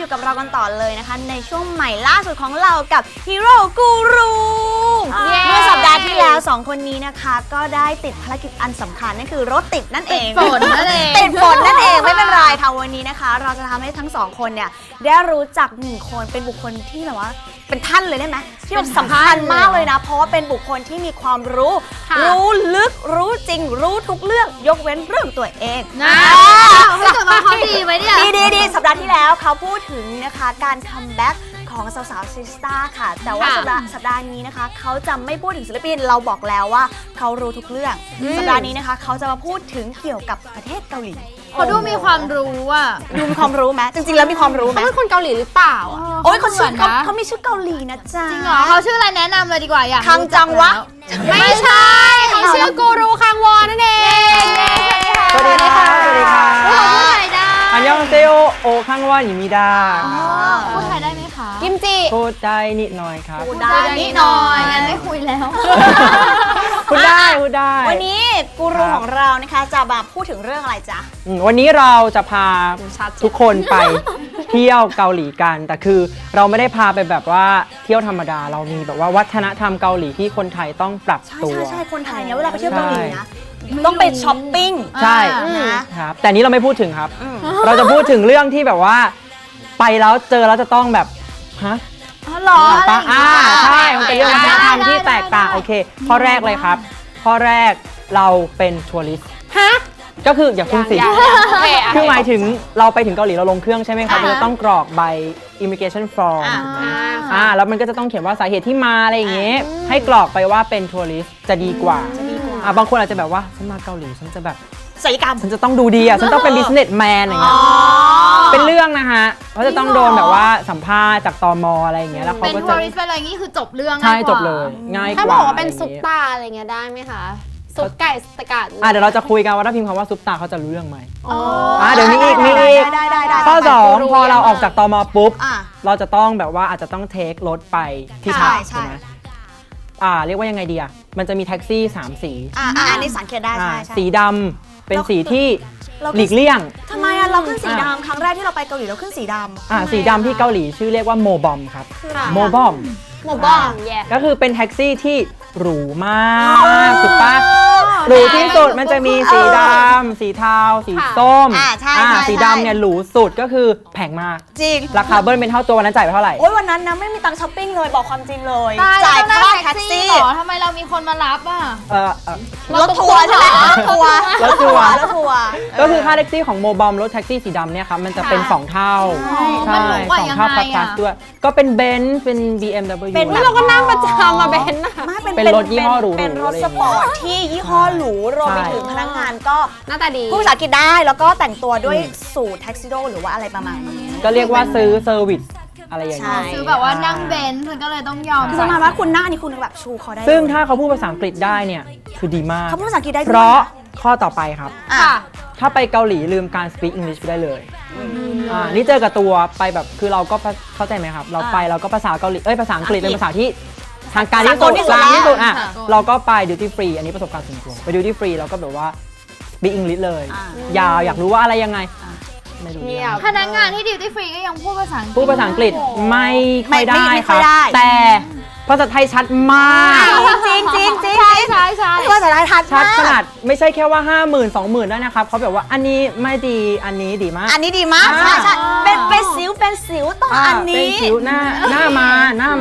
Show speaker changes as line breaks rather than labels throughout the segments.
อยู่กับเรากันต่อเลยนะคะในช่วงใหม่ล่าสุดของเรากับฮีโร่กูรูเมื่อสัปดาห์ที่แล้ว2คนนี้นะคะก็ได้ติดภารกิจอันสำคัญนั่นคือรถติดนั่นเองติดฝนนั่นเองไม่เป็นไรค่ะวันนี้นะคะเราจะทำให้ทั้ง2คนเนี่ยได้รู้จัก1คนเป็นบุคคลที่แบบว่าเป็นท่านเลยได้ไหมที่แบบสำคัญมากเลยนะเพราะว่าเป็นบุคคลที่มีความรู้ลึกรู้จริงรู้ทุกเรื่องยกเว้นเรื่องตัวเอง
นะให้ตัวมาเขาดีไหมเนี่ย
ดีสัปดาห์ที่แล้วเขาพูดถึงนะคะการคัมแบ็กของสาวๆซิสตาค่ะแต่ว่าสัปดาห์นี้นะคะเขาจะไม่พูดถึงศิลปินเราบอกแล้วว่าเขารู้ทุกเรื่องสัปดาห์นี้นะคะเขาจะมาพูดถึงเกี่ยวกับประเทศเกาหลี
เขาดูมีความรู้อ่ะ
ดูมีความรู้ไหมจริงๆแล้วมีความรู้ไหม
เขาเป็นคนเกาหลีหรือเปล่า
โอ้ยเขามีชื่อเกาหลีนะจ๊ะ
จริงเหรอเขาชื่ออะไรแนะนำเลยดีกว่าอยาก
คังจังวะ
ไม่ใช่เขาชื่อกูรูคังวอนนั่นเอง
สวัสดีค่ะสวัสดีค่ะ
พูดไทยได้
อันยองเซโอโอคังวอนยิมิดา
พูดไทยได้ไหมคะ
กิมจิ
พูดได้นิดหน่อยครับ
พูดได้นิดหน่อยงั้นไม่คุยแล้ว
พูดได้
วันนี้กูรูของเรานะคะจะมาพูดถึงเรื่องอะไรจ๊ะ
วันนี้เราจะพาทุกคนไปเที่ยวเกาหลีกันแต่คือเราไม่ได้พาไปแบบว่าเที่ยวธรรมดาเรามีแบบว่าวัฒนธรรมเกาหลีที่คนไทยต้องปรับตัว
ใช่คนไทยเนี่ยเวลาไปเที่ยวเกาหลีนะต้องไปช้อปปิ้ง
ใช่นะครับแต่นี้เราไม่พูดถึงครับเราจะพูดถึงเรื่องที่แบบว่าไปแล้วเจอแล้วจะต้องแบบฮะ
หรอ
ใช่มันเป็นเรื่องวัฒนธรรมที่แตกต่างโอเคข้อแรกเลยครับข้อแรกเราเป็นทัวริสต์ก็คืออย่าคุณสิคือหมายถึงเราไปถึงเกาหลีเราลงเครื่องใช่ไหมครับเราจะต้องกรอกใบ immigration form แล้วมันก็จะต้องเขียนว่าสาเหตุที่มาอะไรอย่างเงี้ยให้กรอกไปว่าเป็นทัวริสต์จะดีกว่าบางคนอาจจะแบบว่าฉันมาเกาหลีฉันจะแบบ
ศัลยกรรม
ฉันจะต้องดูดีฉันต้องเป็น businessman อย่างเงี้ยเป็นเรื่องนะฮะเขาจะต้องโดนแบบว่าสัมภาษณ์จากตม.อะไรอย่างเงี้ยแล้วเขาก็จะ
เป็นทัวริสต์เป็นอะไรงี้คือจบเรื่อง
ใช่จบเลยง่ายกว่า
ถ้าบอกว่าเป็นซุปตาอะไรเงี้ยได้ไหมคะซุปไก่สกัด
เดี๋ยวเราจะคุยกันว่าถ้าพิมพ์คำว่าซุปตาเขาจะรู้เรื่องไหมเดี๋ยวมีอีกข้อ2พอเราออกจากตม.ปุ๊บเราจะต้องแบบว่าอาจจะต้องเทครถไปที่พักใช่ไหมเรียกว่ายังไงดีมันจะมีแท็กซี่3สี
อันนี้สังเกตได้ใช่
สีดำเป็นสีที่หลีกเลี่ยง
ทำไมเราขึ้นสีดำครั้งแรกที่เราไปเกาหลีเราขึ้นสีดำ
สีดำที่เกาหลีชื่อเรียกว่าโมบอมครับโมบอมก็คือเป็นแท็กซี่ที่หรูมากถูกปะหรูที่สุดมันจะมีสีดำสีเทาสีส้มสีดำเนี่ยหรูสุดก็คือแพงมาก
จริง
ราคาเบิ้ลเป็นเท่าตัววันนั้นจ่ายไปเท่าไหร่
โอ้ยวันนั้นนะไม่มีตังค์ช้อปปิ้งเลยบอกความจริงเลยจ่ายค่าแท็กซี่
หรอทำไมเรามีคนมารับ
รถทัวร์ใช่ไหมรถทัวร์
ก็คือค่าแท็กซี่ของโมบอมรถแท็กซี่สีดำเนี่ยครับมันจะเป็น2เท่าใช่2เท่าพลัสด้วยก็เป็นเบนซ์เป็น BMW
เราก็นั่งประจำมาเบนซ์
เป็นรถยี่ห้อหรู
เป็นรถสปอร์ตที่ยี่ห้อหรูรวมไปถึงพนักงานก็
หน้าตาดี
พูดภาษาอังกฤษได้แล้วก็แต่งตัวด้วยสูทแท็กซิโดหรือว่าอะไรประมาณนี้
ก็เรียกว่าซื้อเซอร์วิสอะไรอย่างนี้
ซื้อแบบว่านั่งเบนซ์มันก็เลยต้องยอม
คือประมาณว่าคุณหน้านี่คุณแบบชูเขาได้
ซึ่งถ้าเขาพูดภาษาอังกฤษได้เนี่ยคือดีมาก
เขาพูดภาษาอังกฤษได้
เพราะข้อต่อไปครับถ้าไปเกาหลีลืมการ speak English ไปได้เลยนี่เจอกับตัวไปแบบคือเราก็เข้าใจไหมครับเราไปเราก็ภาษาเกาหลีภาษาอังกฤษเป็นภาษาที่ทางการที่สุดกลางที่สุดเราก็ไป duty free อันนี้ประสบการณ์ส่วนตัวไป duty free เราก็แบบว่า speak English เลยอยากรู้ว่าอะไรยังไงไม่รู้
พนักงานที่ duty free ก็ยังพูดภาษา
อังกฤษไม่ค่อยได้ครับแต่ภาษาไทยชัดมาก
จริง
ใช่
ภาษาไทยชัด
ขนาดไม่ใช่แค่ว่า 50,000 20,000ได้นะครับเขาแบบว่าอันนี้ไม่ดีอันนี้ดีมาก
ใช่เป็นสิวต่ออันนี้
เป็นสิวหน้ามา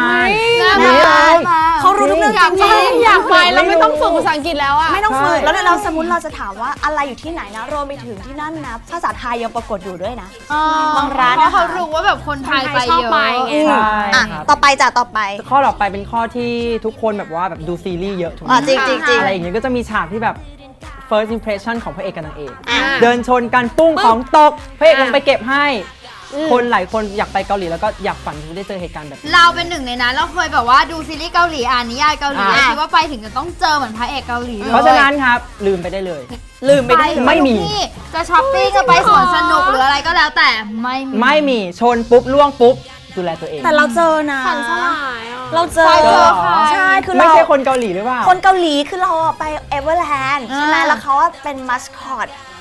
เขารู้ทุกเรื่องจริง
อยากไปเราไม่ต้องฝึกภาษาอังกฤษแล้ว
ไม่ต้องฝึกแล้วเราสมมติเราจะถามว่าอะไรอยู่ที่ไหนนะรวมไปถึงที่นั่นนะภาษาไทยยังปรากฏอยู่ด้วยนะบางร้าน
เขารู้ว่าแบบคนไทยไปเยอะ
ต่อไป
ข้อต่อไปเป็นข้อที่ทุกคนแบบว่าแบบดูซีรีส์เยอะถูกไหม
จริง
อะไรอย่างเงี้ยก็จะมีฉากที่แบบ first impression ของพระเอกกับนางเอกเดินชนกันปุ้งของตกพระเอกลงไปเก็บให้คนหลายคนอยากไปเกาหลีแล้วก็อยากฝันที่ได้เจอเหตุการณ์แบบ
เราเป็นหนึ่งในนั้นเราเคยแบบว่าดูซีรีส์เกาหลีนิยายเกาหลีคิดว่าไปถึงจะต้องเจอเหมือนพระเอกเกาหลีเลย
เพราะฉะนั้นครับลืมไปได้เลยไม่มี
จะช้อปปิ้งจะไปสวนสนุกหรืออะไรก็แล้วแต่
ไม่มีชนปุ๊บล่วงปุ๊บดูแลตัวเอง
แต่เราเจอนะเราเจอใช่คือ
ไม่ใช่คนเกาหลีหรือเปล่า
คนเกาหลีคือเราไปเอเวอร์แลนด์ใช่ไหมแล้วเขาเป็นมัสคอต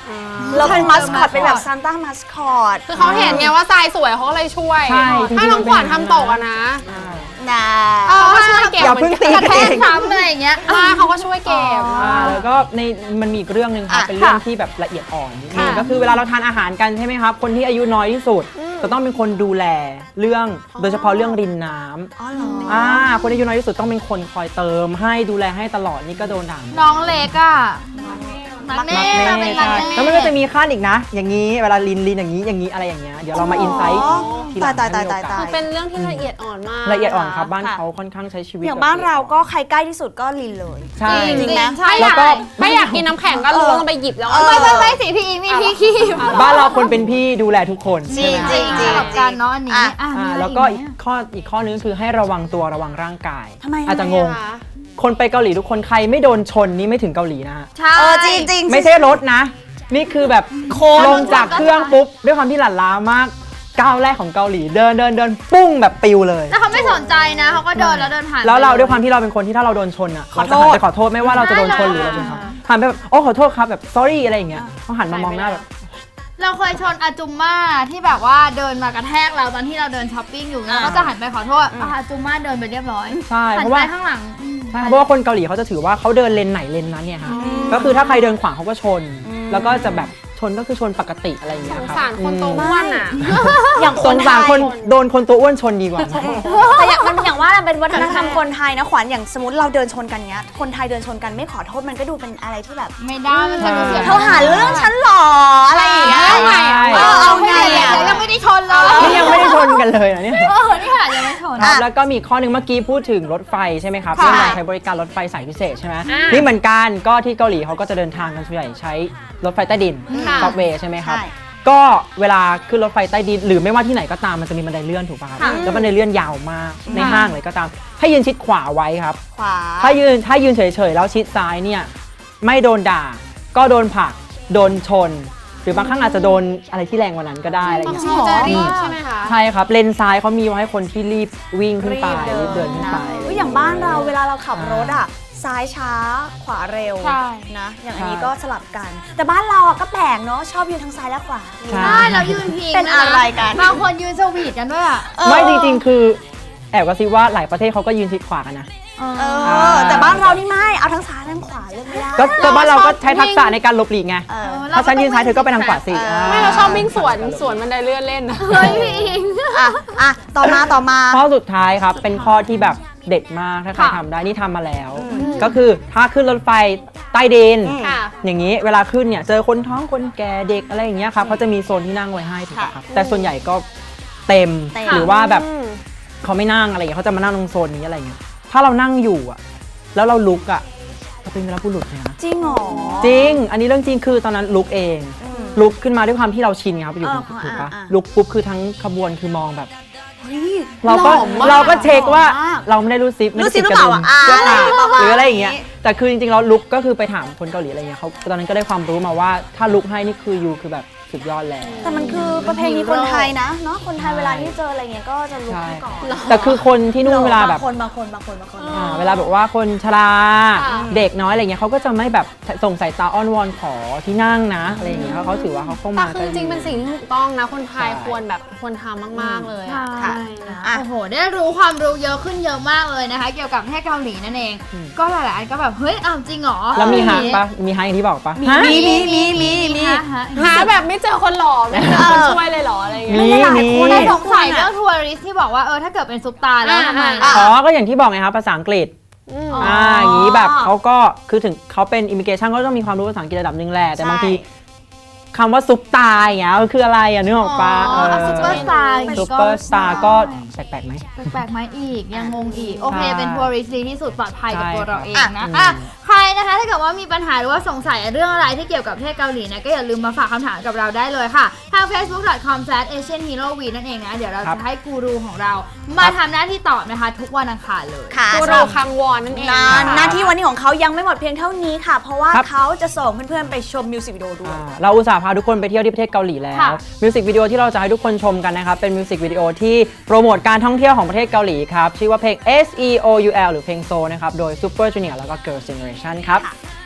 เราเป็นมัสคอตเป็นแบบซานต้ามัสคอต
คือเขาเห็นไงว่าทรายสวยเขาก็เลยช่วย
ใช่
ถ้าน้องขวัญทำตกอะนะ
นะ
เขาก็ช่วยเก็บ
อย่าเพิ่งตี
กระ
กัน
แท
เอก ง
ซ้ำอะไรอย่างเงี้ย
มาเขาก็ช่วยเก็บ
แล้วก็มันมีอีกเรื่องหนึ่งครับเป็นเรื่องที่แบบละเอียดอ่อนนิดนึงก็คือเวลาเราทานอาหารกันใช่ไหมครับคนที่อายุน้อยที่สุดจะต้องเป็นคนดูแลเรื่องโดยเฉพาะเรื่องรินน้ำ
อ๋อเหรอ
คนที่อายุน้อยที่สุดต้องเป็นคนคอยเติมให้ดูแลให้ตลอดนี่ก็โดนด่า
น้องเล็กอะมักเน่
รัก
เป็น
แม่
รัก
ใช่
แม่
แล้วมันก็จะมีขั้นอีกนะ อย่างนี้เวลาลินอย่างนี้อะไรอย่างเงี้ยเดี๋ยวเรามาอินไซต์ทีหลัง
ตาย
ถ้มีโอกส
คือเป็นเรื่องที่ละเอียดอ่อนมาก
ละเอียดอ่อนครับบ้าน
ค่ะ
เขาค่อนข้างใช้ชีวิต
อย่างบ้านเราก็ใครใกล้ที่สุดก็ลินเลย
ใช่
จริงไหม
ใช่
แล้วก็
ไม่อยากกินน้ำแข็งก็ล้วงลงไปหยิบแล้วก็
ไม่สิพี่อิงมีพี่ขี้
บ้านเราคนเป็นพี่ดูแลทุกคน
จริง
ใช่ไหม
จริง
สำหรับการเนาะอันนี้
อ่ะ
มีอะไร
แล้วก็
อี
อี
ก
กข้อนึงคือให้ระวังตัวระวังร่างกาย
ทำไม
อาจจะงง คนไปเกาหลีทุกคนใครไม่โดนชนนี่ไม่ถึงเกาหลีนะฮะ
ใช่
จริงจริง
ไม่ใช่รถนะ นี่คือแบบลงจากเครื่องปุ๊บด้วยความที่หลั่นล้ามากก้าวแรกของเกาหลีเดินปุ้งแบบปิวเลย
แล้วเขาไม่สนใจนะเขาก็เดินแล้วเดินผ่าน
แล้วเราด้วยความที่เราเป็นคนที่ถ้าเราโดนชนอ่ะเราจะหันไปขอโทษไม่ว่าเราจะโดนชนหรือเราชนเขาหันไปแบบโอ้ขอโทษครับแบบ sorry อะไรอย่างเงี้ยเขาหันมามองหน้าแบบ
เราเคยชนอาจุมม่าที่แบบว่าเดินมากระแทกเราตอนที่เราเดินช้อปปิ้งอยู่แล้วก็จะหันไปขอโทษอาจุมม่าเดินไปเรียบร้อย
ใช่
หั
เพ
น
ราะ
ไป
ว่า
ข้างหลัง
ใช่เพราะว่าคนเกาหลีเขาจะถือว่าเขาเดินเลนไหนเลนนั้นเนี่ยฮะก็คือถ้าใครเดินขวางเขาก็ชน แล้วก็จะแบบชนก็คือชนปกติอะไรอย่างเงี้
ส
ย
ง
ครับ
สารคนตัวอ้วนอ่ะ
อย่างค
ส
น
ง
ไท
สาร
ย
คนโดนคนตัวอ้วนชนดีกว่า
แต่อย่างว่ามันเป็นวัฒนธรรมคนไทยนะขวัญอย่างสมมติเราเดินชนกันเนี้ยคนไทยเดินชนกันไม่ขอโทษมันก็ดูเป็นอะไรที่แบบ
ไม่ได้มันจะดูเสีย
เธอหาเรื่องฉันหรออะไรอย่างเงี้ย
ใช่
เอาไง
เดี๋
อ่ะ
ยวยังไม่ได้ชนเลย
นี่ยังไม่ได้ชนกันเลยนะเนี่ย
นี่ขนาดยังไม่ชน
ครับแล้วก็มีอีกข้อหนึ่งเมื่อกี้พูดถึงรถไฟใช่ไหมครับ
ค่ะ
เรื่องการใช้บริการรถไฟสายพิเศษใช่ไหมนี่เหมือนกันก็ที่เกาหลีเขาก็จะเดินทางกันส่วนใหญ่ใช้รถไฟใต้ดิน
ค่ะ
ซับเวย์ใช่ไหมครับ
ใช่
ก็เวลาขึ้นรถไฟใต้ดินหรือไม่ว่าที่ไหนก็ตามมันจะมีบันไดเลื่อนถูกป่ะครับแล้วบันไดเลื่อนยาวมากในห้างเลยก็ตามให้ยืนชิดขวาไว้ครับ
ขวา
ถ้ายืนเฉยๆแล้วชิดซ้ายเนี่ยไม่โดนด่าก็โดนผลักโดนชน หรือบางครั้งอาจจะโดนอะไรที่แรงกว่านั้นก็ได้อะไรอย่าง
บาง
เงี้ย
ทีจะรีบใช่ไหมคะ
ใช่ครับเลนซ้ายเขามีไว้ให้คนที่รีบวิ่งขึ้นไปรีบเดินขึ้นไป
อุ๊ยอย่างบ้านเราเวลาเราขับรถอ่ะซ้ายช้าขวาเร็ว
ใช่
นะอย่างอัน
ใช่
นี้ก็สลับกัน แต่บ้านเราอ่ะก็แปลกเนาะชอบยืนทั้งซ้ายและขวา
ใช่
ใช่แล้วยืนพิง
เป็นอะไรกัน
บางคนยืนสวีทกันด้วยอ่ะ
ไม่จริงๆ คือแอบกระซิบว่าหลายประเทศเขาก็ยืนชิดขวากันนะ
แต่บ้านเรานี่ไม่เอาทั้งซ้ายทั้งขวาเลือกไม่ได้
ก็บ้านเราก็ใช้ทักษะในการหลบหลีกไง
เออ
ถ้าฉันยืนซ้ายเธอก็ไปทางขวาสิ
ไม่เราชอบวิ่งสวนบันไดเลื่อนเล่นนะ
เฮ้ยพี่อิง
อ่ะต่อมา
ข้อสุดท้ายครับเป็นข้อที่แบบเด็ดมากถ้าใคร
ค่ะ
ทำได้นี่ทำมาแล้ว ก็คือถ้าขึ้นรถไฟใต้ดิน
ค่ะ
อย่างนี้เวลาขึ้นเนี่ยเจอคนท้องคนแก่เด็กอะไรอย่างเงี้ยครับเขาจะมีโซนที่นั่งไว้ให้ถูกไหมครับแต่ส่วนใหญ่ก็เต็มหรือว่าแบบเขาไม่นั่งอะไรอย่างเงี้ยเขาจะมานั่งตรงโซนนี้อะไรเงี้ยถ้าเรานั่งอยู่อะแล้วเราลุกอะเราเป็นวีรบุรุษเลยนะ
จริงเหรอ
จริง อันนี้เรื่องจริงคือตอนนั้นลุกเอง ลุกขึ้นมาด้วยความที่เราชินครับอยู่
อ่า
ถูกปะ
อ่า
ลุกปุ๊บคือทั้งขบวนคือมองแบบ
เฮ้ย
เราก็
หล่อมาก
เราก็เช็คว่า
หล่อมาก
เราไม่ได้รู้ซิปไม่
รู้
ได้
ซิ
ติ
ป
ด กระ
หรือเป
ดุ
ล่าม อ่ะ
เสื้อขาด
ประมาณ
หรืออะไรอย่างเงี้ย
นี้
แต่คือจริงๆเราลุกก็คือไปถามคนเกาหลีอะไรเงี้ยเขาตอนนั้นก็ได้ความรู้มาว่าถ้าลุกให้นี่คือยูคือแบบสุดยอดแล้ว
แต่มันคือประเพณีคนไทยนะเนาะคนไทยเวลาที่เจออะไรเงี้ยก็จะลุก
ใช่
ให้ก่อน
แต่คือคนที่นู่นเวลาแบบ
บางคน
เวลาแบบว่าคนชรา
ค่ะ
เด็กน้อยอะไรเงี้ยเขาก็จะไม่แบบส่งสายตาอ้อนวอนขอที่นั่งนะอะไรอย่างเงี้ยเพราะเขาถือว่าเขาเข้า
แต่
มา
คือจริงๆเป็นสิ่งที่ถูกต้องนะ คนไทยควรทำมากๆเลยอะ
ค่ะ อ่ะ
โอ้โห ได้รู้ความรู้เยอะขึ้นเยอะมากเลยนะคะ เกี่ยวกับประเทศเกาหลีนั่นเอง ก็หลายๆอันก็แบบเฮ้ยอ้าวจริงเหรอ
แล้วมีฮะปะมีฮะอย่างที่บอกปะฮะ
มี
ฮะ
หาแบบไม่เจอคนหล่อไม่เจอคนช่วยเลยเหรออะไรอย่างเงี้ย
มี
หลายๆคน
ได้
ได้
สงสัยเรื่องทัวริสต์ที่บอกว่าถ้าเกิดเป็นซุปตาแล้วทำไม
อ๋อก็อย่างที่บอกไงครับภาษาอังกฤษ อย่างนี้แบบเขาก็คือถึงเขาเป็นอิมิเกชันก็ต้องมีความรู้ภาษาอังกฤษระดับหนึ่งแหละแต่บางทีคำว่าซุปตาอย่างเงี้ยคืออะไรอ่ะนึกออกปะ
ซุปเปอร์สตาร์
ซุปเปอร์สตาร์ก็แปลกๆไหม
แปลกๆไหมอีกยังงงอีก โอเค
ใช่
เป็นทัวริสต์ดีที่สุดปลอดภัยกับ
ใช่
ตัวเราเอง
ครับ
นะ
อ่ะ
ใครนะคะถ้าเกิดว่ามีปัญหาหรือว่าสงสัยเรื่องอะไรที่เกี่ยวกับประเทศเกาหลีนะก็อย่าลืมมาฝากคำถามกับเราได้เลยค่ะ ทาง facebook.com/asianheroweek นั่นเองนะ เดี๋ยวเราจะให้กูรูของเรา มาทำหน้าที่ตอบนะคะ ทุกวันอังคารเลย
ค่ะ
กูรูคังวอนนั่นเอง
หน้าที่วันนี้ของเขายังไม่หมดเพียงเท่านี้ค่ะ เพราะว่า
ครับ
เขาจะส่งเพื่อนๆไปชมมิวสิกวิดีโอด้วย
เราอุตส่าห์พาทุกคนไปเที่ยวที่ประเทศเกาหลีแล้ว
ค่ะ
มิวสิกวิดีโอที่เราจะให้ทุกคนชมกันนะครับเป็นมิวสิกวิดีโอที่โปรโมทการท่องเที่ยวของประเทศเกาหลีครับชื่อว่าเพลง SEOUL หรือเพลงโซนะครับโดย Super Junior แล้วก็ Girls' Generation ครับ